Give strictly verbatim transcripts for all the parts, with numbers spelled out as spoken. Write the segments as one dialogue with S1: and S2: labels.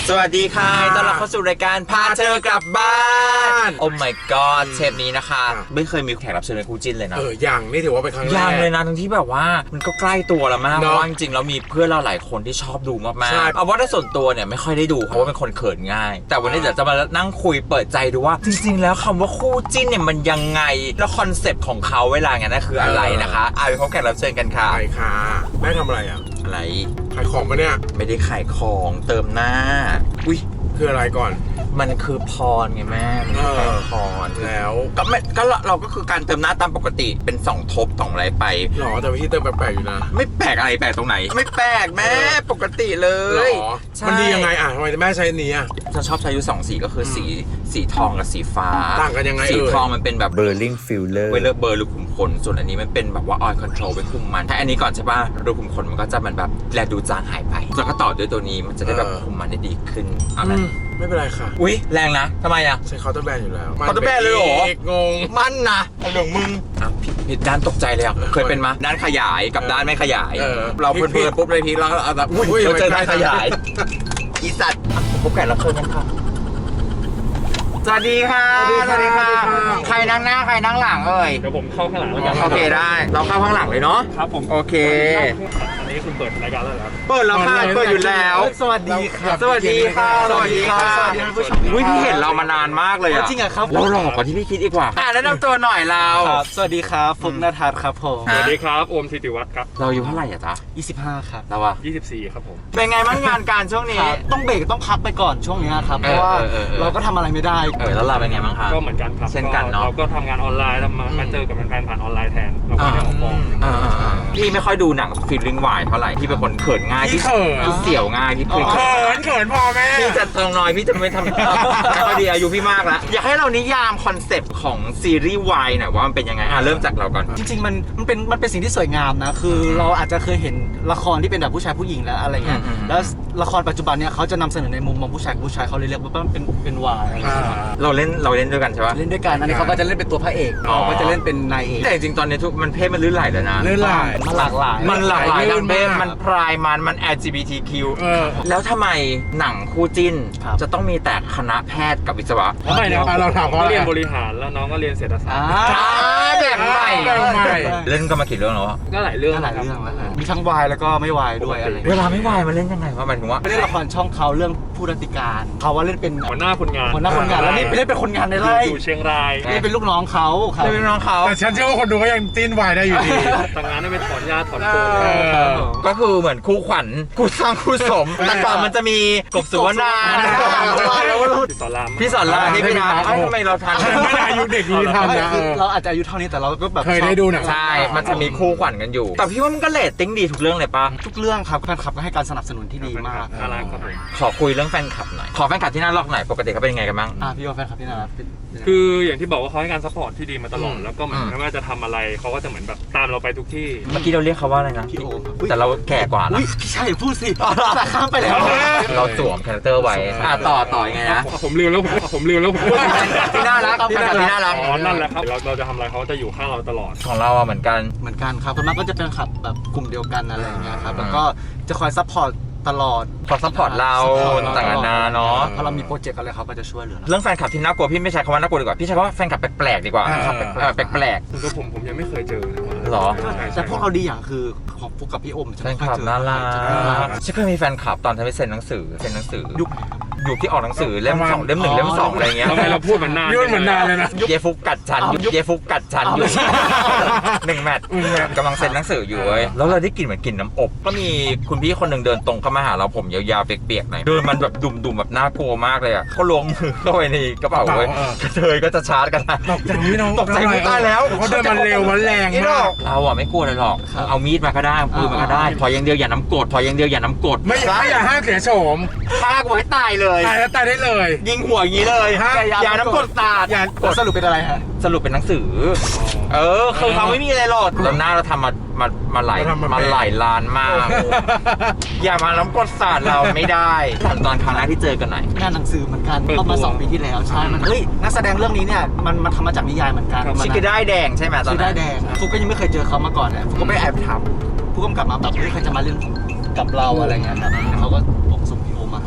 S1: สวัสดีค่ะต้อนรับเข้าสู่รายการพาเธอกลับบ้านโอ้ my god เทปนี้นะคะไม่เคยมีแขกรับเชิญเป็นคู่จิ้นเลยนะ
S2: เออยังนี่ถือว่าเป็นครั้งแรก
S1: ยังเลยนะทั้งที่แบบว่ามันก็ใกล้ตัวแล้วมากเพราะว่าจริงๆแล้วมีเพื่อนเราหลายคนที่ชอบดูมากๆเอาว่าในส่วนตัวเนี่ยไม่ค่อยได้ดูเพราะว่าเป็นคนเขินง่ายแต่วันนี้เดี๋ยวจะมานั่งคุยเปิดใจดูว่าจริงๆแล้วคำว่าคู่จิ้นเนี่ยมันยังไงแล้วคอนเซปต์ของเขาเวลาไงนั่นคืออะไรนะคะเอาไปพบแขกรับเชิญกันค่ะ
S2: ใช่ค่ะแม่ทำอะไรอ่ะ
S1: อะไร
S2: ขายของปะเนี่ย
S1: ไม่ได้ขายของเติมหน้าอุ้ย
S2: คืออะไรก่อน
S1: มันคือพรไงแม่มันคือพร
S2: แล้ว
S1: ก็ไม่ก็เราก็คือการเติมหน้าตามปกติเป็นสองทบสองอะไรไป
S2: หรอแต่วิธีเติมแปลกๆอยู่นะ
S1: ไม่แปลกอะไรแปลกตรงไหนไม่แปลกแม่ปกติเลย
S2: หรอมันดียังไงอ่ะทำไมแม่ใช้นี้อ่ะ
S1: ฉันชอบใช้อยู่สองสีก็คือสีสีทองกับสีฟ้า
S2: ต่างกันยังไง
S1: สีทองมันเป็นแบบเบอร์ลิงฟิลเลอร์ไว้เลือกเบอร์รูขุมขนส่วนอันนี้มันเป็นแบบว่าออยล์คอนโทรลไว้คุมมันถ้าอันนี้ก่อนใช่ป่ะรูขุมขนมันก็จะมันแบบแลดูจางหายไปแล้วก็ต่อด้วยตัวนี้มันจะได้แบบคุมมันได้ดีขึ้นเอาไหม
S2: ไม่เป็นไรค่ะ
S1: อุ้ยแรงนะทำไมอ่ะ
S2: ใช้เคาน์เตอร์แบรนด์อยู่แล้ว
S1: เคาน์เตอร์แบรนด์เลยเหรอง
S2: ง
S1: มันนะเรื่องมึงอ่ะผิดด้านตกใจเลยอ่ะเคยเป็นมาด้านขยายกับด้านไม่ขยายเราเพลินๆปุ๊บเลยทีเราเอาแบบอุ้ยเราเจอด้านขยายอีสัตว์พบแขกรับเชิญกันค่ะสวัสดีค่ะสวัสดีค่ะใครนั่งหน้าใครนั่งหลังเอ่ย
S3: เดี๋ยวผมเข้าข้างหลังแล้วกัน
S1: โอเคได้เราเข้าข้างหลังเลยเนาะ
S3: ครับผม
S1: โอเค
S3: อันนี้คุณเปิดรายการแล้วครับ
S1: เปิดแล้วค่ะเปิดอยู่แล้ว
S2: สวัสดีครับ
S1: สวัสดีค่ะสวัสดีค่ะ
S2: สวัสดีผู้ชม
S1: อุ้ยพี่เห็นเรามานานมากเลยอ่ะ
S2: จริงเหรอครับ
S1: เราหล่อกว่าที่พี่คิดอีกว่าอ่ะแนะนำตัวหน่อยเรา
S4: สวัสดีครับฟุกณทัศน์ครับผม
S3: สวัสดีครับโอมธิติวัฒน์ครับ
S1: เราอยู่เท่าไหร่อ่ะจ๊ะ
S4: ยี่สิบห้าครับ
S1: เราอ่ะ
S3: ยี่สิบสี่ครับผม
S1: เป็นไงบ้างงานการช่วงนี้
S4: ต้องเบรกต้องพักไปก่อนช่วงนี้ครับเพราะว่าเราก็ทำอะไรไม่ได้
S1: เออแล้วเราเป็นไงบ้างครับ
S3: ก็เหมือนกันครับ
S1: เช่นกันเนาะ
S3: เราก็ทำงานออนไลน์แล้วมามาเจอกับแฟนๆผ่านออนไลน์แทนเราก็ไม่ได้ออกกอง
S1: พี่ไม่ค่อยดูหนังฟีลลิ่งวายเท่าไหร่พี่เป็นคนเขินง่ายพี่เสี่ยวง่ายพี่เขิน
S2: เขินเขินพอแม่
S1: พี่จะตรงน้อยพี่จะไม่ทำไม่ค่อยดีอายุพี่มากแล้วอยากให้เรานิยามคอนเซปต์ของซีรีส์วายหน่อยว่ามันเป็นยังไงอ่ะเริ่มจากเราก่อน
S4: จริงๆมันมันเป็นมันเป็นสิ่งที่สวยงามนะคือเราอาจจะเคยเห็นละครที่เป็นแบบผู้ชายผู้หญิงแล้วอะไรเงี้ยแล้วละครปัจจุบันเนี่ยเขาจะนำเสนอในมุมมองผู้ชายผู้ชายเขาเลยเรียกว่าเป็นเป็นวาย
S1: เราเล่นเราเล่นด้วยกันใช่ปะ
S4: เล่นด้วยกันอันนี้เขาก็จะเล่นเป็นตัวพระเอกเขาก็จะเล่นเป็นนายเอก
S1: แต่จริงๆตอนนี้ทุกมันเพศมันลื่นไหลแล้วนะ
S2: ลื่นไหล
S4: มันหลากหลาย
S1: มันหลากหลายทั้งเพศมันพรายมันมัน แอล จี บี ที คิว แล้วทำไมหนังคู่จิ้นจะต้องมีแต่คณะแพทย์กับวิศวะ
S3: ทำไมนะครับเราถามว่าเรียนบริหารแล้วน้องก็เรียนเศรษฐศาสตร์
S1: แบบใหม่เล่นก็มากี่เรื่องแล้ว
S3: ก็หลายเรื่อง
S4: หลายเรื่องมีทั้งวายแล้วก็ไม่วายด้วยอะไร
S1: เวลาไม่วายมาเล่นยังไงวะหมายถึงว่า
S4: เล่นละครช่องเขาเรื่องผู้รัติการเขาว่าเล่นเป็น
S3: หัวหน้าคนงาน
S4: หัวหน้าคนงานแล้วนี่เล่นเป็นคนงานในไร่
S3: อยู่เชียงราย
S4: นี่เป็นลูกน้องเขา
S1: เล่นเป็นน้องเขา
S2: แต่ฉันเชื่อว่าคนดูก็ยังจิ้นวายได้อยู่ดี
S3: แต่งานได้ไปถอนหญ้าถอนโคน
S1: ก็คือเหมือนคู่ขวัญคู่สร้างคู่สมแต่ก่อนมันจะมีกบสุวรรณา
S3: พี่สอนราม
S1: พี่สอนรามนี่พี่นะทำไมเราทัน
S2: ไม่ได้อายุเด็กนี้ทันนะ
S4: เราอาจจะอายุเท่านี้แต่เราก็แบบ
S2: เคยได้ดูหนัง
S1: ใช่มันจะมีคู่ขวัญกันอยู่แต่พี่ว่ามันก็เรตติ้งดีทุกเรื่องเลยป่ะ
S4: ทุกเรื่องครับแฟนคลับก็ให้การสนับสนุนที่ดีมาก
S3: น่ารักครับผม
S1: ขอคุยเรื่องแฟนคลับหน่อยขอแฟนคลับที่น่ารักหน่อยปกติเขาเป็นยังไงกันบ้าง
S4: อ่ะพี่ว่าแฟนคลับที่น่ารัก
S3: คืออย่างที่บอกว่าเขาให้การซัพพอร์ตที่ดีมาตลอดแล้วก็เหมือนไม่ว่าจะทำอะไรเขาก็จะเหมือนแบบตามเราไปทุกที่
S1: เมื่อกี้เราเรียกเขาว่าอะไรนะ
S4: พี่โอม
S1: แต่เราแก่กว่านะ
S4: พี่ชายพูดสิแต่ข้ามไปแล้ว
S1: เราสวมคาแรคเตอร์ไว้อ่ะต่อต่อยังไงนะ
S3: ผมลืมแล้วผมลืมแล้ว
S1: ที่น่ารักที่น่ารัก
S3: อ๋อนั่นแหละครับเราเราจะทำอะไรเขาจะอยู่ข้างเราตลอด
S1: ของเราอ่ะเหมือนกัน
S4: เหมือนกันครับคนมากก็จะเป็นขับแบบกลุ่มเดียวกันอะไรอย่างเงี้ยครับแล้วก็จะคอยซัพพอร์ตตลอด
S1: ขอซัพพอร์ตเราต่างๆนาเนาะ
S4: พอเรามีโปรเจกต์อะไรเขาก็จะช่วยเหลือ
S1: เรื่องแฟนคลับที่น่ากลัวพี่ไม่ใช้คำว่าน่ากลัวดีกว่าพี่ใช้คำว่าแฟนคลับแปลกๆดีกว่าแปลก
S3: ๆคือผมผมยังไม่เคยเจอ
S1: หรอ
S4: แต่พวกเราดีอย่างคือของฟุกกับพี่อม
S1: แฟนคลับน่ารักฉันเคยมีแฟนคลับตอนทำให้เซ็นหนังสือเซ็นหนังสือยุคยุคที่ออกหนังสือเล่มสองเล่มหนึ่งเล่มสองอะไรเงี้ย
S3: ทำไมเราพูดเหมือนนาน
S2: ยุ่นเหมือนนานเลยนะ
S1: เยฟุกกัดฉันเยฟุกกัดฉันอยู่หนึ่งแมตช์กำลังเซ็นหนังสืออยู่เว้ยแล้วเราได้กลิ่นเหมือนกลิ่นน้ำอบก็มีคุณพี่คนหนึ่งเดินตรงเข้ามาหาเราผมยาวๆเปียกๆหน่อยเดินมันแบบดุ่มๆแบบน่ากลัวมากเลยอ่ะเขาล้วงมือเข้าไปในกระเป๋าเว้ยกระเทยก็จะชาร์จกันนะ
S2: ตกใจพี่น้อง
S1: ตกใจไม่ได้แล้ว
S2: เขาเดินมันเร็วมันแรงมาก
S1: เราอ่ะไม่กลัวเลยหรอกเอามีดมาก็ได้ปืนมาก็ได้พอยังเดียวอย่าน้ำกรดพอยังเดียวอย่าน้ำกรด
S2: ไม่ไม่อย่าห้ามเสียโฉม
S1: ฆ่าไว้ตายเลย
S2: ตายแล้วตายได้เลย
S1: ยิงหัวอย่างนี้เลยอย่าน้ำกรดสาด
S4: อย่าสรุปเป็นอะไรฮะ
S1: สรุปเป็นหนังสือเออคือเขาไม่มีอะไรหรอกแล้วหน้าเราทำมามามาหลายมาหลายล้านมากอย่ามาน้ำกรดสาดเราไม่ได้ตอนครั้งแรกที่เจอกันหน่อย
S4: งานหนังสือเหมือนกันก็มาสองปีที่แล้วใช่มันเฮ้ยนักแสดงเรื่องนี้เนี่ยมันมันทำมาจากนิยายเหมือนกัน
S1: ชิคกี้ได้แดงใช่ไหมตอนนั้น
S4: ชิคกี้ได้แดงฟุกก็ยังไม่เคยเจอเขามาก่อนนะฟุกก็ไม่แอบถามผู้กำกับมาแบบเฮ้ยใครจะมาเล่นกับเราอะไรเงี้ยครับเขาก็บอกส่งพี่โอมาให้ก็ไป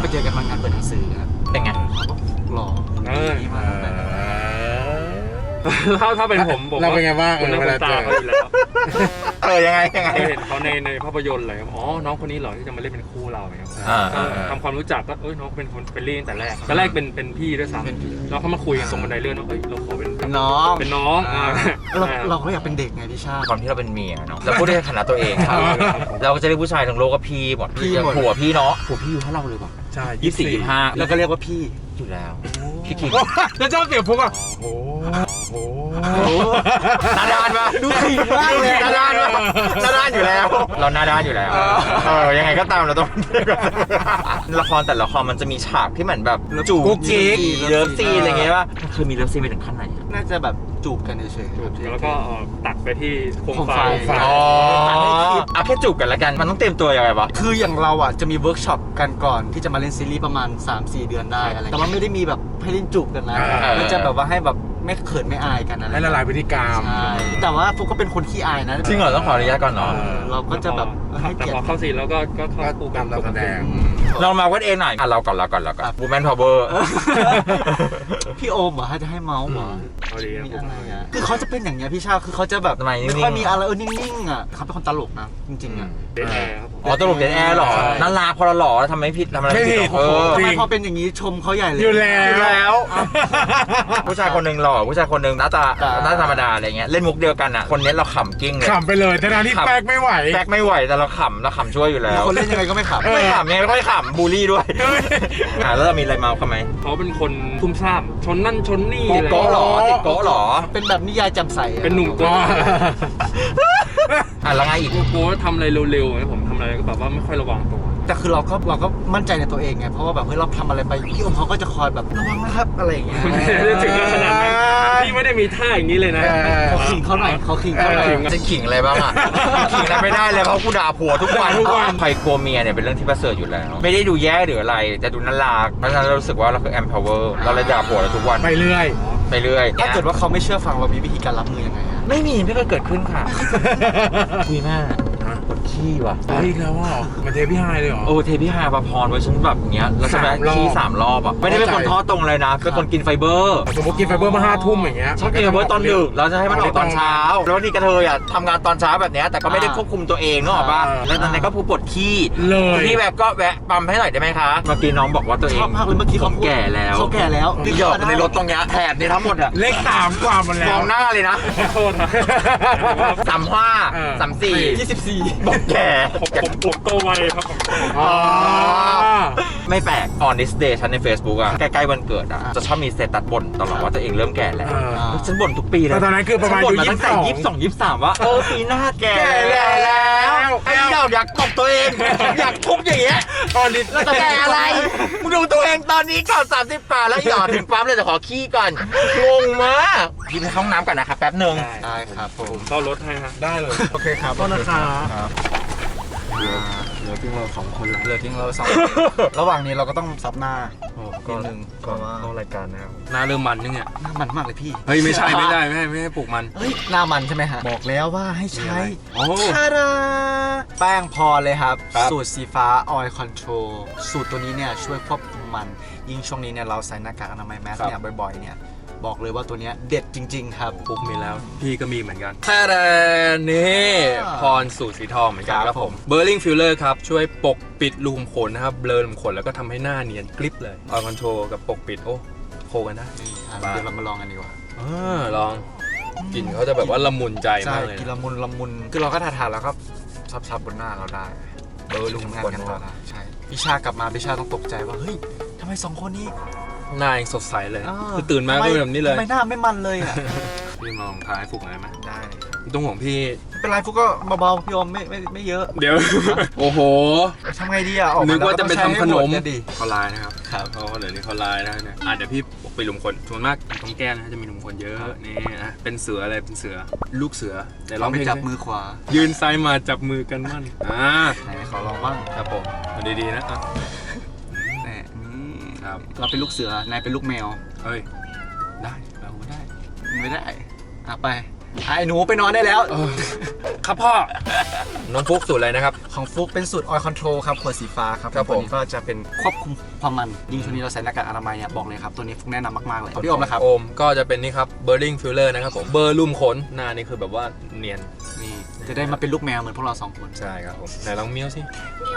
S4: เจอกันมางานเปิดหนังสือครับ
S1: เป็นไง
S4: เขาก็หล่อ
S3: เออ
S4: ดีมากเลย
S3: ถ้าถ้าเป็นผมผม
S2: เราเป็นไงบ้าง
S3: คุณ
S2: เออ
S3: น้า
S2: เว
S3: คุ
S2: ลา
S3: ณตา
S2: เจอ
S3: เขาอยู่แล้ว
S1: เออยังไงยังไง
S3: เคยเห็นเขาในในภาพยนตร์อะไรครับอ๋อน้องคนนี้เหรอที่จะมาเล่นเป็นคู่เราเนี่ยครับ
S1: อ่า
S3: ก็
S1: อ่า
S3: ทำความรู้จักก็เอ้ยน้องเป็นคนเป็นเล่นแต่แรกแต่แรกเป็นเป็นพี่ด้วยซ้ำแล้วเขามาคุยกันตรงบันไดเลื่อนว่าเอ้ยเราขอเป็น
S4: เป็นน้อง
S3: เป็นน้องอ่า
S4: เราเราก็อยากเป็นเด็กไงพี่ชาติ
S1: ความที่เราเป็นเมียเนาะเราพูดในฐานะตัวเองครับเราก็จะเรียกผู้ชายทั้งโลกว่าพี่หมด
S4: พี่หมด
S1: ผัวพี่เนาะผัวพี่อยู่เท่าเราเลยป่ะ
S2: ใช่
S1: ยี่สิบสี่ยี่สิบห้า
S4: แล้วก็เรียกว่าพี่
S1: อยู่แล้วพี่คิง
S2: แล้วเจ้าเสียงพุกอ่ะโอ้โห
S1: หน้าด้านปะ
S4: ดูขิงมากเลย
S1: หน้าด้านปะหน้าด้านอยู่แล้ว เราหน้าด้านอยู่แล้วเออยังไงก็ตามเราต้อง ละครแต่ละละครมันจะมีฉากที่เหมือนแบบจูบ
S2: กุ๊กกิ๊ก
S1: เลิฟซีนอะไรเงี้ยป่ะเคยมีเลิฟซีนไปถึงขั้นไหนอะ
S4: น่าจะแบบจูบกันเฉยๆครับ
S3: แล้วก็เอ่อตัดไปที่โคม
S4: โคม
S3: ไฟ
S4: ไฟ
S1: อ๋อเอาแค่จูบกันละกันมันต้องเตรียมตัวยังไงวะ
S4: คืออย่างเราอ่ะจะมีเวิร์กช็อปกันก่อนที่จะมาเล่นซีรีส์ประมาณ สามสี่ เดือนได้อะไรแต่ว่าไม่ได้มีแบบให้เล่นจูบกันนะ
S2: เออ
S4: มันจะแบบว่าให้แบบไม่เขินไม่อายกันอะไร
S2: ให้ละลายพฤติกรรม
S4: ใช่แต่ว่าฟุกก็เป็นคนขี้อายนะ
S1: จริงเหรอต้องขออนุญาตก่อนเนาะ
S2: เออ
S4: เราก็จะแบบให้
S3: แต่
S4: เกียร
S3: พอ
S4: ติ
S3: เข้าซีนแล้วก็ก็เข้า
S2: ก็
S3: คู่กั
S2: ตาน มเราแสดง
S1: ลองมาวัดเองหน่อยอ่ะเราก่อนเราก่อนเราก่อน Woman Power
S4: พี่โอมเหรอให้จะให้เมาส์เหรอ
S3: เอาดีครับ
S4: มี
S3: ผม
S4: อะไรอ่ะคือเขาจะเป็นอย่างเงี้ยพี่ชาคือเขาจะแบบ
S1: ทำไมนิ่งๆ
S4: ไม่ค่อยมีอะไรเออนิ่งๆอ่ะเขาเป็นคนตลกนะจริงๆอ่ะ
S3: เดนแอร์ครับผม
S1: อ๋อตลกเดนแอร์หรอ
S4: ใช่
S1: น่ารักพอเราหล่อแล้วทำไม่ผิดทำอะไร
S2: ไม่ผิ
S1: ผิ
S2: ด
S1: ดเออ
S4: ทำ
S2: จริ
S4: ไม
S2: ง
S4: พอเป็นอย่างนี้ชมเขาใหญ่เลย
S2: อยู่แล้ว
S1: อยู่แล้ว ผู้ชายคนหนึ่งหล่อผู้ชายคนหนึ่งหน้าตา
S4: อ่า
S1: หน้าธรรมดาอะไรเงี้ยเล่นมุกเดียวกันอ่ะคนนี้เราขำกิ้งเลย
S2: ขำไปเลยทั้งๆที่
S1: ขำ
S2: แป๊กไม่ไหว
S1: แบกไม่ไหวแต่เราขำเราขำช่วยอยู่แล้ว
S4: คนเล่นยังไงก็ไม่ขับ
S1: ไม่ขำไงไม่ค่อยขำบูลลี่ด้วยอ่าแล้วเรามีอะไรเมาเขาไหม
S3: เขาเป็นคนทุ่มซ่ามชนนั่นชนนี่อะไร
S1: โก๊ะหรอติดโก๊ะหรอ
S4: เป็นแบบนิยายจำใสอะ
S3: เป็นหนุ่มโก๊ะ
S1: อ่ะแล้วไงอีก
S3: โก๊ะทำอะไรเร็วๆนะผมทำอะไรก็แบบว่าไม่ค่อยระวังตัว
S4: แต่คือเราก็เราก็มั่นใจในตัวเองไงเพราะว่าแบบเฮ้ยเราทำอะไรไปพี่โอมเขาก็จะคอยแบบระวังนะครับอะไรอย่างเงี้ย
S3: ไม่ได้ถึงขนาดนั้นพี่ไม่ได้มีท่าอย่างนี้เลยนะ
S2: เออ
S4: เขาขิงเขาหน่อยเขาขิงเขาหน่อย
S3: เออ
S1: จะขิงอะไรบ้างอ่ะขิงอะไรไม่ได้เลยเพราะกูด่าผัวทุกวัน
S2: ทุกวัน
S1: ใครกลัวเมียเนี่ยเป็นเรื่องที่ประเสริฐอยู่แล้ว ไม่ได้ดูแย่หรืออะไรจะดูน่ารักเพราะฉะนั้นเรารู้สึกว่าเราคือ empower เราเลยด่าผัวเราทุกวัน
S2: ไปเรื่อย
S1: ไปเรื่อย
S4: ถ้าเกิดว่าเขาไม่เชื่อฟังเรามีวิธีการรับมือยังไงอะ
S1: ไม่มีไม่เคยเกิดขึ้นค่ะ คุยมากปวดขี้ว่ะ
S2: เฮ้ยอีกแล้วอ่ะมันเทพี่ไฮเลยเหรอ
S1: โอ้เทพี่ฮาปาพรไว้ฉันแบบเนี้ยแล้วใช่ไหม
S2: สามรอบ
S1: ขี้สามรอบอ่ะไม่ได้เป็นคนท้อตรงเลยนะเป็นคนกินไฟเบอร์
S2: สมมติกินไฟเบอร์มาห้าทุ่มอย่างเงี้ย
S1: ชอบกินไฟเบอร์ตอนดึกเราจะให้มันออกตอนเช้า แล้วนี่กระเทยอ่ะทำงานตอนเช้าแบบเนี้ยแต่ก็ไม่ได้ควบคุมตัวเองนึกออกป่ะแล้วตอนนั้นก็ผู้ปวดขี้
S2: เลย
S1: พี่แบบก็แวะปั๊มให้หน่อยได้ไหมคะเมื่อกี้น้องบอกว่าตัวเอ
S4: ช
S1: ง
S4: อบมากเลยเมื่อกี้เขา
S1: ผมแก่แล้ว
S4: เขาแก่แล้ว
S1: พี่หยอกในรถตรงเนี้ยแถบนี่ทั้งหมดอ่ะ
S2: เลขสามกว่าหมดแล้
S1: ม
S2: ว
S1: องหน้าเลยนะ
S3: ขอโทษนะ
S1: สามห้า
S2: เออ
S1: สามสี่
S4: ยี่สิบสี่
S1: บอกแก่
S3: ผมผมผมโตไวครับผม
S2: อ๋อ
S1: ไม่แปลก on this day ฉันใน Facebook อ่ะ ใกล้ๆวันเกิดอ่ะ จะชอบมีสเตตัสบ่นตลอดว่าตัวเองเริ่มแก่แล้ว
S2: เออ
S1: ฉันบ่นทุกปีเลย
S2: แต่ตอนนั้นคือประมาณ
S1: ฉันบ่น
S2: อายุ
S1: ตั้งแต่
S2: ยี่
S1: ยี่
S2: สิ
S1: สิ
S2: บบ ส
S1: ส
S2: อ
S1: อง งยี่สิบสามว่าเออปีหน้าแก่
S2: แก่แล้ว
S1: ไอ้เจ้าอยากตบตัวเอง อยากทุบอย่างเงี้ย
S2: ตอนนี้
S1: แล้วจะแก่อะไร มึงดูตัวเองตอนนี้ก่อนสามสิบแปดแล้วหยอดถึงปั๊มเลยแต่ขอขี้ก่อน งงมากพี่ไปเข้าห้องน้ำก่อนนะครับแป๊บหนึ่ง
S4: ได้ครับผม
S3: เข้ารถให้ฮะ
S2: ได้เลย โอเคครับต้นนะคะ
S4: เหลือเพียงเราสองคนละเหลือเพียงเราสอง ระหว่างนี้เราก็ต้องซับหน้านิดนึงเพราะว่า
S3: รายการนะครับหน้าเริ่มมันนึงเนี่ย
S4: หน้ามันมากเลยพี่
S3: เฮ้ยไม่ใช่ไม่ได้ไม่ให้ไม่ให้ปลูกมัน
S4: เฮ้ยหน้ามันใช่ไหมฮะบอกแล้วว่าให้ใช้
S3: โอ้
S4: ชาดาแป้งพอเลยครับ
S1: ครับ
S4: สูตรสีฟ้า Oil Control สูตรตัวนี้เนี่ยช่วยควบคุมมัน ยิ่งช่วงนี้เนี่ยเราใส่หน้ากากอนามัยแมสเนี่ยบ่อยๆเนี่ยบอกเลยว่าตัวเนี้ยเด็ดจริง ๆ ครับ
S3: ปุ๊กมีแล้ว พี่ก็มีเหมือนกันแท้นี่
S4: อ่า
S3: พรสูตรสีทองเหมือนกัน
S4: ค
S3: ค
S4: รั
S3: รั
S4: บบ ผ
S3: ผม มเบอร์ลิงฟิลเลอร์ครับ ช่วยปกปิดรูขุมขนนะครับ เบลอรูขุมขนแล้วก็ทำให้หน้าเนียนกริบเลยออยคอนโทรกับปกปิด โอ้โคกันได้
S4: นี่อ่ะเดี๋ยวเรามาลองกันดีกว่า
S3: อ่าลองกลิ่นเขาจะแบบว่าละมุนใจ
S4: ใช่
S3: มากเลย
S4: กิน
S3: นะ
S4: ละมุนละมุนคือเราก็ทาทาๆแล้วก็ซับๆบนหน้าเราได้เบอร์ลุงงานกันต่อได้ใช่พิชากลับมาพิชาต้องตกใจว่าเฮ้ยทำไมสองคนนี้
S3: หน้ายังสดใสเลย
S4: เออ
S3: คือตื่นมาก็เป็นแบบนี้เลย
S4: ทำไมหน้าไม่มันเลยอ่ะ
S3: พี่มาลองทายฟุกหน่อยไหม
S4: ได้เลยครับ
S3: ต้องห่วงพี่
S4: ไม่เป็นไรฟุกก็เบาๆพี่อมไม่ไม่ไม่เยอะ
S3: เดี๋ยว โอ้โห
S4: ทำไงดีอ่ะออก
S3: นึ
S4: มาก
S3: ว่าจะไปทำขนม
S4: แล้วก็ต้องใช้ให้หดดิ
S3: เขาลายนะครับ
S4: ครับ
S3: เขาเดี๋ยวนี้เขาลายนะเนี่ยอ่ะเดี๋ยวพี่ปกปิดรูขุมขนส่วนมากตรงแก้มนะจะมีรูขุมขนเยอะนี่นะเป็นเสืออะไรเป็นเสือลูกเสือเดี๋ยวร้
S4: เรา
S3: อง
S4: ไป
S3: เพลง
S4: จับ
S3: สิ
S4: มือขวา
S3: ยืนซ้ายมาจับมือกันมั่นอ่า
S4: ไหนขอลองบ้าง
S3: ครับผมเอาดีๆนะอ่ะ
S4: แหน่นี่
S3: ครับ
S4: เราเป็นลูกเสือนายเป็นลูกแมว
S3: เฮ้ยได้เราก็ได้
S4: ไม่ได้อ่ะไปไอ้หนูไปนอนได้แล้ว
S3: ครับพ่อ น้องฟุกสูตรอะไรนะครับ
S4: ของฟุกเป็นสูตร Oil Control ครับขวดสีฟ้าครับ
S3: ครับผม
S4: ตัวนี้ก็จะเป็นควบคุมความมันยิ่งช่วงนี้เราใส่หน้ากากอนามัยเนี่ยบอกเลยครับตัวนี้ฟุกแนะนำมากๆเลยพี่โอมนะครับ
S3: โอมก็จะเป็นนี่ครับเบอร์ลิงฟิลเลอร์นะครับผมเบอร์ลุ่มขนหน้านี่คือแบบว่าเนียน
S4: นี่จะได้มาเป็นลูกแมวเหมือนพวกเราสองคน
S3: ใช่ครับผมไหนลองเมี้ยวสิ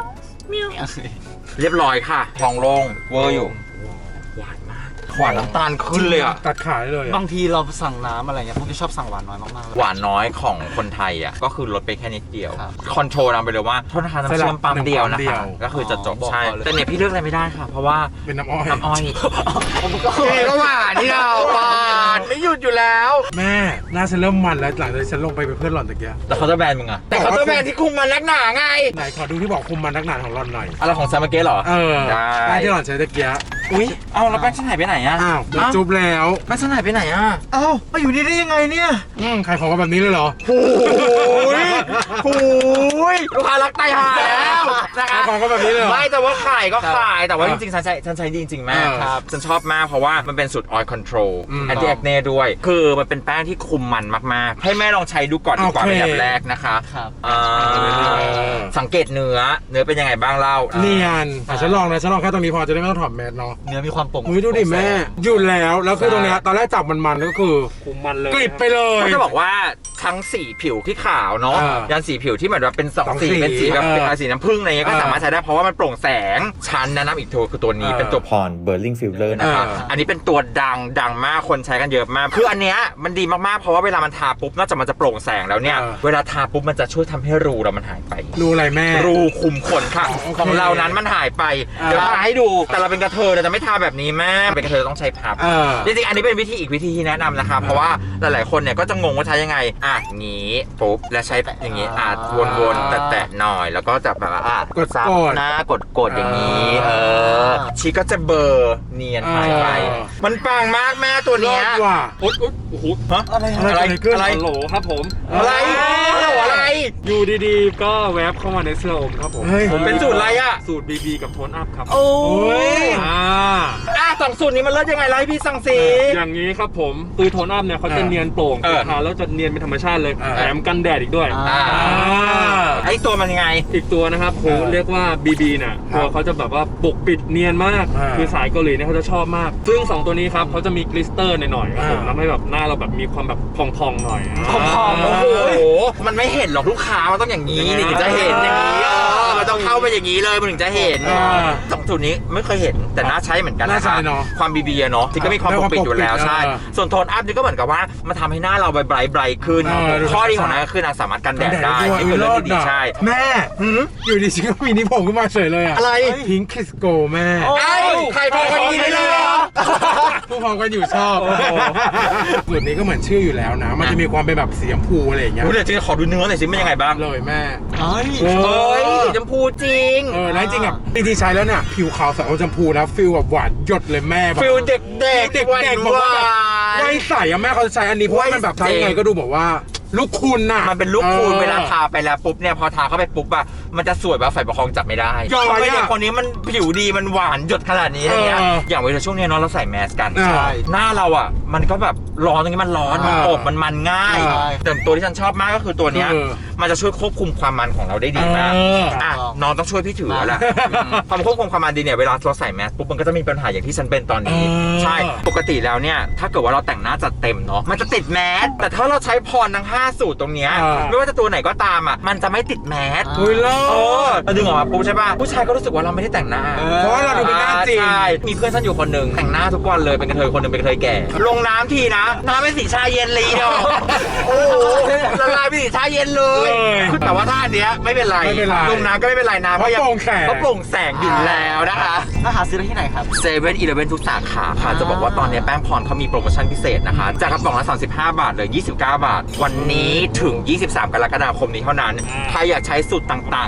S1: เรียบร้อยค่ะทองโล่งเวอร์อยู่หวานมากหวานน้ำตาลขึ้นเลยอ่ะ
S2: ตัดขาได้เลยอะ
S4: บางทีเราสั่งน้ำอะไรเงี้ยพวกที่ชอบสั่งหวานน้อยมากๆเลย
S1: หวานน้อยของคนไทยอ่ะก็คือลดไปแค่นิดเดียว
S4: ครับ
S1: คอนโทรลนำไปเลยว่าโทษนะคะน้ำเชื่อมปั๊มเดียวนะคะก็คือจะจบ
S4: อ๋อ
S1: ใช่
S4: บอกก่อนเลย
S1: แต่เนี่ยพี่เลือกอะไรไม่ได้ค่ะ เพราะว่า
S2: เป็นน้ำอ้อย
S1: น้ำอ้อย
S4: ผมก็
S1: ก็หวานนี่เราหวานไม่หยุดอยู่แล้ว
S2: แม่หน้าฉันเริ่มมันแล้วหลังจากที่ฉันลงไปเป็นเพื่อนหล่อนตะเกีย
S1: แต่เขาจะแบนมึงอะแต่เขาจะแบนที่คุมมันนักหนาไง
S2: ไหนขอดูที่บอกคุมมันนักหนาของหล่อนหน่อย
S1: อะไรของซามาเกะเหรอ
S2: เออ
S1: ได้
S2: ได้ที่หล่อนใช้ตะเกีย
S1: อุ้ยเอาแล้วแป้งฉันหายไปไหนอะ
S2: อ้าวโดนจุ๊บแล้ว
S1: แป้งฉันหายไปไหนอะ
S4: เอ้ามาอยู่นี่ได้ยังไงเนี่ย
S2: อืมขายของกันแบบนี้เลยเหรอ
S1: โอ้ยโอ้ยลูกค้ารักไตหายแล้วนะ
S2: ขา
S1: คะ
S2: ยของกันแบบนี้เลยเหรอ
S1: ไม่แต่ว่าขายก็ขายแต่ว่า
S2: เอ
S1: จ
S2: อ
S1: ริงๆฉันใช้ฉันใช้ดีจริงๆแม่
S2: เออ
S1: ครับฉันชอบมากเพราะว่ามันเป็นสูตร oil control
S2: อืม
S1: anti acne ด้วย คือมันเป็นแป้งที่คุมมันมากๆ ให้แม่ลองใช้ดูก่อนดีกว่า
S2: โอเค
S1: เป็นแบบแรกนะคะ
S4: ครับ
S1: อ่า
S2: เออ
S1: สังเกตเนื้อเนื้อเป็นยังไงบ้างเล่า
S2: เนียนแต่ฉันลองนะฉันลองแค่ตรงนี้พอจะได้ไม่ต้องถอดแมสเนาะ
S4: เนื้อมีความโปร่ง
S2: อุ้ยดูดิแม่หยุดแล้วแล้วคือตรงเนี้ยตอนแรกจับมันๆก็คือ
S3: คุมมันเลย
S2: กริบไปเลย
S1: ก็จะบอกว่าทั้งสีผิวที่ขาวเนาะ
S2: เออ
S1: ยันสีผิวที่เหมือนว่าเป็นสอง
S2: สอง
S1: สี
S2: สี
S1: เป็นสีแบบ
S2: เออ
S1: เป็นสีน้ำผึ้งอะไรเงี้ยก็
S2: เออ
S1: สามารถใช้ได้เพราะว่ามันโปร่งแสงชั้นแนะนำอีกตัวคือตัวนี้
S2: เออ
S1: เป็นตัวพรเบอร์ลิงฟิลเลอร์นะคะ
S2: เอออั
S1: อันนี้เป็นตัวดังดังมากคนใช้กันเยอะมาก คืออันเนี้ยมันดีมากๆเพราะว่าเวลามันทาปุ๊บนอกจากมันจะโปร่งแสงแล้วเนี่ย
S2: เออ
S1: เวลาทาปุ๊บมันจะช่วยทำให้รูเรามันหายไป
S2: ดูอะไรแม่
S1: รูคุมขนค่ะ
S2: อ๋อโอเค
S1: ของเรานั้นมันหายไป
S2: อ่า
S1: เดี๋ยวทาให้ดูแต่เราเป็นกระเทยเราจะไม่ทาแบบนี้แม่เป็นกระเทยต้องใช้พับ
S2: เออ
S1: จริงๆ อันนี้เป็นวิธีอีกวิธีที่แนะนำนะคะ เพราะว่าหลายๆ คนเนี่ยก็จะงงว่าใช้ยังไง อ่ะงี้ปุ๊บ แล้วใช้อย่างงี้อ่ะวนๆ แตะๆ หน่อย แล้วก็จะแบบว่าอ่ะ
S2: กด
S1: ซับ
S2: กด
S1: หน้ากดกดๆอย่างนี้
S2: เอ
S1: เอ
S2: อ
S1: อ ชีก็จะเบลอร์เนียนหายไป
S2: เออ
S1: มันปังมากแม่ตัว
S2: ร
S1: เนี้
S2: อย ดว่ะ
S3: อุ๊ยอุ๊ยโอ้โห
S1: ฮะ
S4: อะไร
S2: อะไร
S1: อะไร
S2: ขึ้น
S1: อะไร
S3: ฮัลโหลครับผม
S1: อะไรอะไรอะไร
S3: อยู่ดีๆ ก็แวบเข้ามาในเสื้ออมครับผม
S2: เฮ้ย
S1: ผมเป็นสูตรอะไรอ่ะ
S3: สูตร บี บี กับโทนอัพครับ
S1: โอ้
S2: โอ้ย
S3: อ่า
S1: อ่ะสองสูตรนี้มันเลิศยังไงไล่พี่สั่งสี
S3: อย่างนี้ครับผมคือโทนอัพเนี่ยเขาจะเนียนโปร่ง
S1: เออ
S3: ทาแล้วจะเนียนเป็นธรรมชาติเลย
S2: เออ
S3: แถมกันแดดอีกด้วย
S1: อ่า
S2: อ่า
S1: ไอตัวมันยังไง
S3: อีกตัวนะครับผม
S2: เออ
S3: เรียกว่า บี บี เนี่ย
S2: ครับ
S3: ตัวเขาจะแบบว่าปกปิดเนียนมาก
S2: เออ
S3: คือสายเกาหลีเนี่ยเขาจะชอบมาก ซึ่งสองตัวนี้ครับเขาจะมีกลิสเตอร์หน่อยๆครับผม
S2: เออ
S3: ทำให้แบบหน้าเราแบบมีความแบบพองๆหน่อย
S1: พองๆโอ้โห มันไม่เห็นหรอกลูกค้า มันต้องอย่างนี้นี่ถึงจะเห็นอย่างนี้เออมันต้องเข้าไปอย่างนี้เลยมันถึงจะเห็น
S2: อ่า
S1: สองสูตรนี้ไม่เคยเห็นแต่น่าใช้เหมือนกันนะ
S2: น่าใช้
S1: คะ
S2: เนอะ
S1: ความบีบีเนาะที่ก็มีความปกปิดอยู่แล้วใช่
S2: เออ
S1: ส่วนโทนอัพนี่ก็เหมือนกับว่ามันทำให้หน้าเราไบรท์ไบรท์ขึ้น
S2: เออดู
S1: ข้อดีของนั้นก็คือนางสามารถกันแดดได้
S2: วย
S1: นี่คือเรื่องที่ดี
S2: ะ
S1: ใช่
S2: แม่
S1: หืม
S2: อยู่ดีฉันก็มีนิพงขึ้นมาเฉยเลยอ่ะ
S1: อะไร
S2: พิงคิสโกแม่
S1: ไอ้ใครพอกันกินได้เลยเหรอ
S2: ผู้พองกันอยู่ชอบสูตรนี้ก็เหมือนชื่ออยู่แล้วนะ มันจะมีความเป็นแบบสีชมพูอะไรอย่างเงี้ย
S1: รู้เดี๋ยวจะขอดูเนื้อหน่อยสิมันยังไงบ้าง
S2: เลยแม่
S4: เฮ้ย
S2: เออ
S1: เฮ้ยสีชมพูจริง
S2: เออแล้วจริงๆอ่ะจริงๆใช้แล้วเนี่ยผิวขาวใสอมชมพูนะฟิลแบบหวานหยดเลยแม่แบบ
S1: ฟิลเด็กๆ
S2: เด็กๆ
S1: หวานๆ
S2: บอกว่าแบบไว้ใสอะแม่เขาจะใช้อันนี้เพราะว่ามันแบบใช้ยังไงก็ดูแบบว่าลูกคุณน่ะ
S1: มันเป็นลูกคูณ
S2: ออ
S1: เวลาทาไปแล้วปุ๊บเนี่ยพอทาเข้าไปปุ๊บอะมันจะสวยแบบไฟประคองจับไม่ได้
S2: ย้อยอะ
S1: ทำไมเด็กคนนี้มันผิวดีมันหวานหยดขนาดนี้อะไรเงี้ย
S2: เออ
S1: อย่างเวลาช่วงเนี้ยเนาะเราใส่แมสกัน
S2: ใช่
S1: หน้าเราอะมันก็แบบร้อนตรงนี้มันร้อนมัน
S2: เออ
S1: อบมันมันง่าย
S2: ใช่
S1: แต่ตัวที่ฉันชอบมากก็คือตัวเนี้ย
S2: เออ
S1: มันจะช่วยควบคุมความมันของเราได้ดีมาก
S2: เออ
S1: อ่ะน้องต้องช่วยพี่ถือแล้วแหละความควบคุมความมันดีเนี่ยเวลาเราใส่แมสปุ๊บมันก็จะมีปัญหาอย่างที่ฉันเป็นตอนนี้
S2: เออ
S1: ใช่ปกติแล้วเนี่ยถ้าเกิดว่าเราแต่งหน้าจัดเต็มเนาะมันจะติดแมสแต่ถ้าเราใช้พรทั้งห้าสูตรตรงเนี้ย
S2: เออ
S1: ไม่ว่าจะตัวไหนก็ตามอ่ะมันจะไม่ติดแมส
S2: เฮ้ยเลิ
S1: โอ้
S2: ศ
S1: เราดึงออกมาปุ๊บใช่ป่ะผู้ชายก็รู้สึกว่าเราไม่ได้แต่งหน้า
S2: เพราะว่าเราดูเป็นหน้าจริง
S1: ใช่มีเพื่อนฉันอยู่คนหนึ่งแต่งหน้าทุกวันเลยเป็นกระเทยคนหนึ่งเป็นกระเทยแก่ ลงน้ำทีนะน้ำเป็นสีชาเย็นเลยเดียวโอ้โหละลายเป็นสีชาเย็นเลย
S2: เลย
S1: คือแต่ว่าท่าเนี้ยไม่เป็นไร
S2: ไม่เป็นไร
S1: ลงน้ำก็ไม่เป็นไรนะ
S2: เพราะ
S1: ยัง
S2: โปร่งแสง
S1: เพราะโปร่งแสงอยู่แล้วนะคะ
S4: ถ้าหาซื้อได้ที่ไหนครับ
S1: เซเว่นอีเลฟเว่นทุกสาขาค่ะ จะบอกว่าตอนนี้แป้งพรเขามีโปรโมชั่นพิเศษนะคะ จากกระป๋องละ สามสิบห้า บาทเหลือ ยี่สิบเก้า บาท วันนี้ถึง ยี่สิบสาม กรกฎาคมนี้เท่านั้น ใครอยากใช้สูตรต่าง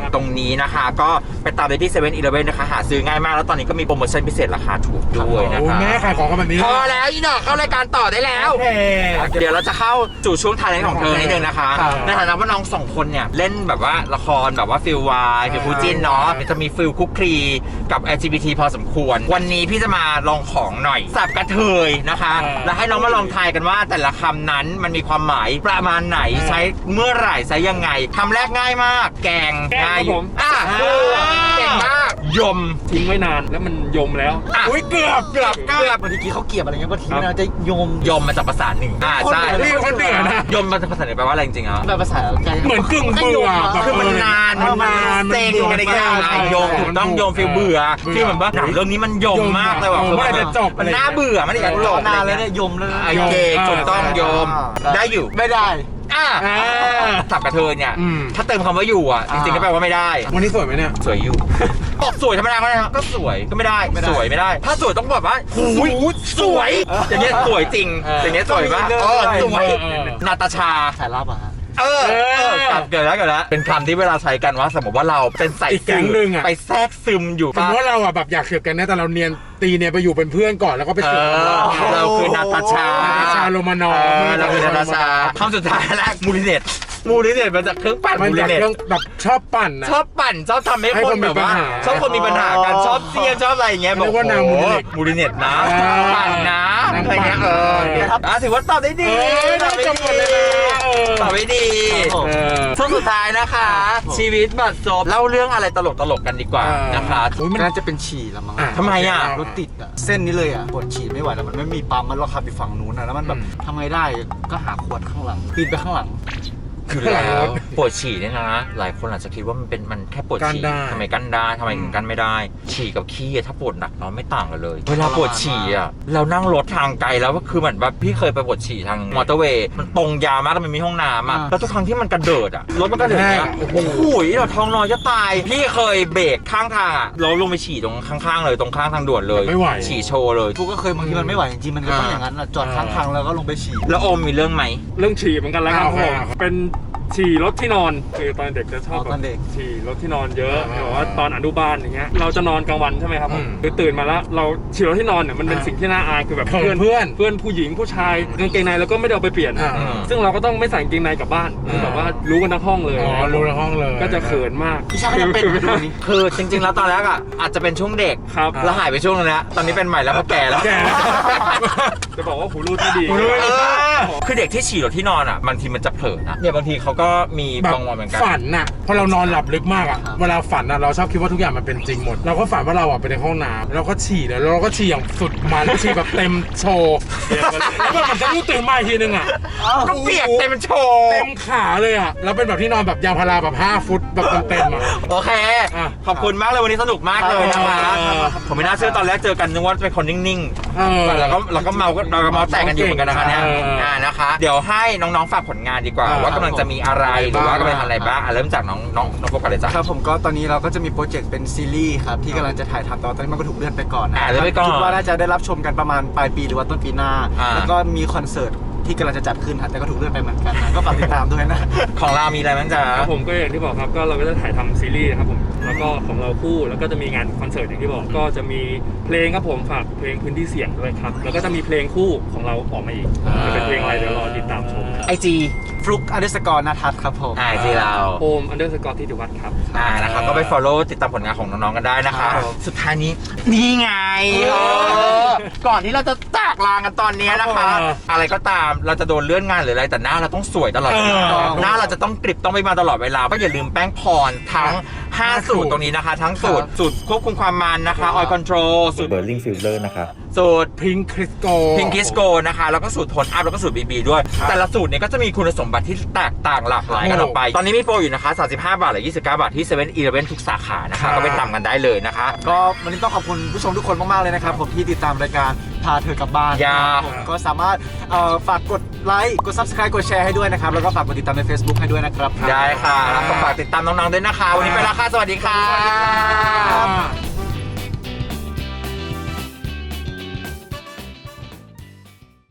S1: ตรงนี้นะคะ ก็ไปตามได้ที่เซเว่นอีเลฟเว่นนะคะหาซื้อง่ายมากแล้วตอนนี้ก็มีโปรโมชั่นพิเศษราคาถูกด้วยนะ
S2: โอ้
S1: คะ
S2: แม่ขายของกันแบบนี้
S1: พอแล้วอีหนอกเข้ารายการต่อได้แล้ว
S2: โอเค
S1: เดี๋ยวเราจะเข้าสู่ช่วงท้ายของเธอนิดนึงนะคะ
S2: ครับ
S1: ในฐานะว่าน้องสองคนเนี่ยเล่นแบบว่าละครแบบว่าฟิลวายฟิลคู่จิ้นเนาะจะมีฟิลคุกคลีกับ แอล จี บี ที พอสมควร วันนี้พี่จะมาลองของหน่อยสับกระเทยนะคะ แล้วให้น้องมาลองทายกันว่าแต่ละคำนั้นมันมีความหมายประมาณไหนใช้เมื่อไหร่ใช้ยังไงคำแรกง่ายมาก แกง
S3: แกง
S1: ง่าย
S3: ครับผม
S1: อ่ะเก่งมากยม
S3: ทิ้งไว้นานแล้วมันยมแล้ว
S1: อ่ะ
S2: อุ้ยเกือบเกือบ
S1: เกือบ
S4: บางทีเขาเกลียบอะไรเงี้ยบางทีมันจะโยม
S1: ยมมาจากภาษาหนึ่งอ่าใช่
S2: นี่คนเหนือนะ
S1: ยมมาจากภาษาหนึ่งแปลว่าอะไรจริงๆอ่ะ
S4: แบบภาษาไกล
S2: เหมือนกึ่งเบื่อแบบ
S1: คือมันนาน
S2: มันนาน
S1: เซ็งอะไรเงี้ย
S2: มันนาน
S1: โยมถูกต้องโยมฟีลเบื่อ
S2: เบื่อ
S1: ฟีลเหมือนว่าหนังเรื่องนี้มันโยมมากเลยว่ะ
S2: เออเมื่อไหร่จะจบ
S1: มันน่าเบื่อมันอยากจบ
S4: นาน
S1: อะไร
S4: แล้ว
S1: เงี้
S4: เนี่ย ยยมแล้วนะ
S1: ไอเคถูกต้องโยม
S4: อ่า
S1: ได้อยู่
S4: ไม่ได้
S1: อ่ะ
S2: อ่า
S1: สับกระเทยเนี่ย
S2: อืม
S1: ถ้าเติมคำว่าอยู่อ่ะจริงๆก็แปลว่าไม่ได้
S2: วันนี้สวยไหมเนี่ย
S1: สวยอยู่ บอกสวยธรรมดาก็ได้นะก็สวยก็ไม่ได้
S4: ไม่ได้
S1: สวยไม่ได้ ถ้าสวยต้องแบบว่าหูยสวยอย่างเงี้ยสวยจริง
S2: เออ
S1: อย่างเงี้ยสวยปะ
S4: ต้องมีเรื่อง
S1: เออ
S4: ด้วย
S1: สวย
S2: เออ
S1: นาตาชา
S4: สายลับอะฮะ
S1: เออเออกลับเกิดแล้วเกิดแล้วเป็นคำที่เวลาใช้กันว่าสมมติว่าเราเป็นใส่
S2: อีกแก๊งหนึ่งอะ
S1: ไปแทรกซึมอยู่
S2: สมมติว่าเราอ่ะแบบอยากเสือกกันนะแต่เราเนียนตีเนี่ยไปอยู่เป็นเพื่อนก่อนแล้วก็ไป
S1: เอ
S2: เสือกกัน
S1: อเราคือนาตาชา
S2: นาตาชาโรมานอ
S1: เอ
S2: ร์
S1: อเราคือนาตาชาคำสุดท้ายแล้วมูลิเนตมูลิเนตมาจากเครื่องปั่น
S2: มัน
S1: มูลิ
S2: จาก
S1: เนต
S2: เครื่องแบบชอบปั่นนะ
S1: ชอบปั่นชอบทำให้
S2: ให้
S1: ค
S2: คน นมี
S1: แบบว่า
S2: ปัญหา
S1: ชอบคนมีปัญหากัน
S4: อ๋อ
S1: ชอบเสียงชอบอะไรอย่างเงี้ย
S2: เรียกว่านาง
S1: โอ้โห
S2: มูลิเนต
S1: มูลิเนตนะ
S2: อ่า
S1: ปั่นนะ
S2: นาง
S1: อะไรเงี้ย
S2: ปั่
S1: เอน อ
S2: ครับ
S1: อ่ะถือว่าตอบได้ดี
S2: เออ
S1: ตอบได้
S2: จบหมดเลย
S1: ดี
S2: นะเออ
S1: ตอบได้ดี
S4: ครับผม
S2: เออ
S1: ช่วงสุดท้ายนะคะ ชีวิตบัดซบเล่าเรื่องอะไรตลกตลกๆกันดีกว่า
S2: เออ
S1: นะคะ
S2: อุ๊ยมัน
S4: น่าจะเป็นฉี่ละมั้ง
S2: อ่ะ
S1: ทำไมอ่ะ
S4: รถติดอ่ะเส้นนี้เลยอ่ะปวดฉี่ไม่ไหวแล้วมันไม่มีปั๊มมันเราขับไปฝั่งนู้นอ่ะแล้วมันแบบ
S2: อืม
S4: ทำไงได้ก็หาขวดข้างหลังปีนไปข้างหลัง
S1: คือแล้วปวดฉี่เนี่ยนะ หลายคนอาจจะคิดว่ามันเป็นมันแค่ปวดฉี่
S2: กั้นได้
S1: ทำไมกั้นได้ทำไมถึงกั้นไม่ได้ ฉี่กับขี้อะถ้าปวดหนักเนาะไม่ต่างกันเลย เวลาปวดฉี่อ่ะเรานั่งรถทางไกลแล้วก็คือเหมือนแบบพี่เคยไปปวดฉี่ทางมอเตอร์เวย์มันตรงยาวมากแล้วมันมีห้องน้ำอ่ะ
S4: อ่า
S1: แล้วทุกครั้งที่มันกระเดิดอ่ะรถมันกระเดิดอ่ะ
S2: โอ้โห
S1: โอ้โหเราท้องน้อยจะตาย พี่เคยเบรกข้างทางอ่ะเราลงไปฉี่ตรงข้างๆเลยตรงข้างทางด่วนเลย
S2: ไม่ไหว
S1: ฉี่โชว์เลย
S4: กูก็เคยบางทีมันไม่ไหวจริงๆมันก็ต้องอย่างนั้นอะจอดข้างทางแล้วก็ลงไปฉี่
S1: แล้วโอมมีเรื่องไหม
S3: เรื่องฉี่เหมือนกันแล้วครับ
S2: เอา
S3: ผม
S2: เอา
S3: เป็นฉี่รถที่นอนคือตอนเด็กจะชอบ
S4: อ๋อตอนเด็ก
S3: ฉี่รถที่นอนเยอะ
S2: อ่า
S3: แบบว่าตอนอนุบาลอย่างเงี้ยเราจะนอนกลางวันใช่ไหมครับผม
S2: อืม
S3: คือตื่นมาแล้วเราฉี่รถที่นอนเนี่ยมันเป็น
S2: อ่า
S3: สิ่งที่น่าอายคือแบบ
S2: เขินเพื่อน
S3: เพื่อนผู้หญิงผู้ชายกางเกงในแล้วก็ไม่ได้เอาไปเปลี่ยน
S2: อ่า
S3: ซึ่งเราก็ต้องไม่ใส่กางเกงในกลับบ้านคือแบบว่ารู้กันทั้งห้องเลย
S2: อ๋อรู้ในห้องเลย
S3: ก็จะเขินมาก
S4: พี่ชายก็ยังเป็นอยู่นี้
S1: คือจริงๆ แล้วตอนแรกอ่ะอาจจะเป็นช่วงเด็ก
S3: ครับ
S1: แล้วหายไปช่วงนึงแล้วตอนนี้เป็นใหม่แล้วเพราะแก่แล้ว
S2: แก่แล้ว
S3: จะบอกว่าหูรูดไม่ดี
S2: หูรูด
S1: เออคือเด็กที่ฉี่รถที่นอนอ่ะบางทีมันจะเผลอนะเนี่ยบางทีเขาก็มี
S2: แบบ
S1: บางวันเหมือนกัน
S2: ฝันน่ะพอเรานอนหลับลึกมากอ่ะ
S4: ครับ
S2: เวลาฝันอ่ะเราชอบคิดว่าทุกอย่างมันเป็นจริงหมด เราก็ฝันว่าเราอ่ะไปในห้องน้ำแล้วก็ฉี่เลยแล้วเราก็ฉี่อย่างสุดมันฉี่แบบเต็มโชว์แล้วแบบมันจะรู้ตื่นมาอีกทีนึงอ่ะ
S1: ก็เปียกเต็มโชว์
S2: เต็มขาเลยอ่ะแล้วเป็นแบบที่นอนแบบยางพาราแบบห้าฟุตแบบเต็มๆอ่ะ
S1: โอเค
S2: อ่ะ
S1: ขอบคุณมากเลยวันนี้สนุกมากเลยนะคะ
S2: เออ
S1: ผมไม่น่าเชื่อตอนแรกเจอกันนึกว่าเป็นคนนิ่ง
S2: เออ
S1: ๆแล้วก็เราก็เมาก็เราก็เมาแตกกันอยู่เหมือนกันนะคะเนี่ย
S2: เออเอออ่
S1: อ่านะคะ เดี๋ยวให้น้องๆฝากผลงานดีกว่า
S2: เออ
S1: ว่ากำลังจะมีอะไรหรือว่ากำลังทำอะไรบ้างอ่ะเริ่มจากน้องน้องน้องโฟกัสเลยจ้ะ
S4: ครับผมก็ตอนนี้เราก็จะมีโปรเจกต์เป็นซีรีส์ครับที่กำลังจะถ่ายทำแต่ว่าตอนนี้มันก็ถูกเลื่อนไปก่อนนะ
S1: อ่าเลื่อนไปก่อน
S4: คิดว่าน่าจะได้รับชมกันประมาณปลายปีหรือว่าต้นปีหน้า
S1: อ่า
S4: แล้วก็มีคอนเสิร์ตที่กำลังจะจัดขึ้นครับแต่ก็ถูกเลื่อนไปเหมือนกันนะก็ฝากติดตามด้วยนะ
S1: ของเรามีอะไรบ้างจ๊ะ
S3: ครับผมก็อย่างที่บอกครับก็เราก็จะถ่ายทำซีรีส์นะครับผมแล้วก็ของเราคู่แล้วก็จะมีงานคอนเสิร์ตอย่างที่บอกก็จะมีเพลงครับผมฝากเพลงพื้นที่เสี่ยงด้วยครับแล้วก็จะมีเพลงคู่ของเราออกมาอีก
S1: อ่า
S3: จะเป็นเพลงอะไรเดี๋ยวรอติดตามชม
S1: ไอจี
S4: ฟลุกอันเดอร์สกอร์นาทัศน์ครับผม
S1: ไอจีเรา
S3: โอมอันเดอร์สกอร์ที่ติวัฒน์ครับ
S1: อ่านะคะก็ไป follow ติดตามผลงานของน้องๆกันได้นะคะ
S4: ครับผม
S1: สุดท้ายนี้นี่ไงเออก่อนที่เราจะจากลากันตอนนี้นะคะ
S2: เออ
S1: อะไรก็ตามเราจะโดนเลื่อนงานหรืออะไรแต่หน้าเราต้องสวยตลอดเวลา
S2: เออ
S1: หน้าเราจะต้องกริบต้องไปมาตลอดเวลาก็อย่าลืมแป้งพรทั้งห้าสูตรตรงนี้นะคะ ทั้งสูตรสูตรควบคุมความมันนะคะ oil control สูตร
S5: Burning Filter นะคะ
S1: สูตร
S2: พิงคริสโก
S1: พิงคิสโกนะคะแล้วก็สูตรโทนอัพแล้วก็สูตรบีบีด้วย แต่ละสูตรเนี่ยก็จะมีคุณสมบัติที่แตกต่างหลากหลายกันออกไป ตอนนี้มีโปรอยู่นะคะสามสิบห้าบาทหรือยี่สิบเก้าบาทที่เซเว่นอีเลฟเว่นทุกสาขานะคะก็ไปตามกันได้เลยนะคะ
S4: ก็วันนี้ต้องขอบคุณผู้ชมทุกคนมากๆเลยนะครับผมที่ติดตามรายการพาเธอกลับบ้าน
S1: อย่า
S4: นะครับผมก็สามารถเอ่อฝากกดไลค์กด ซับสไครบ์ กดแชร์ให้ด้วยนะครับแล้วก็ฝากกดติดตามใน Facebook ให้ด้วยนะครับ
S1: ได้ค่ะแล้วก็ฝากติดตามน้องๆด้วยนะคะ วันนี้ไปแล้วค่ะสวัสดีค่ะ
S2: อ่า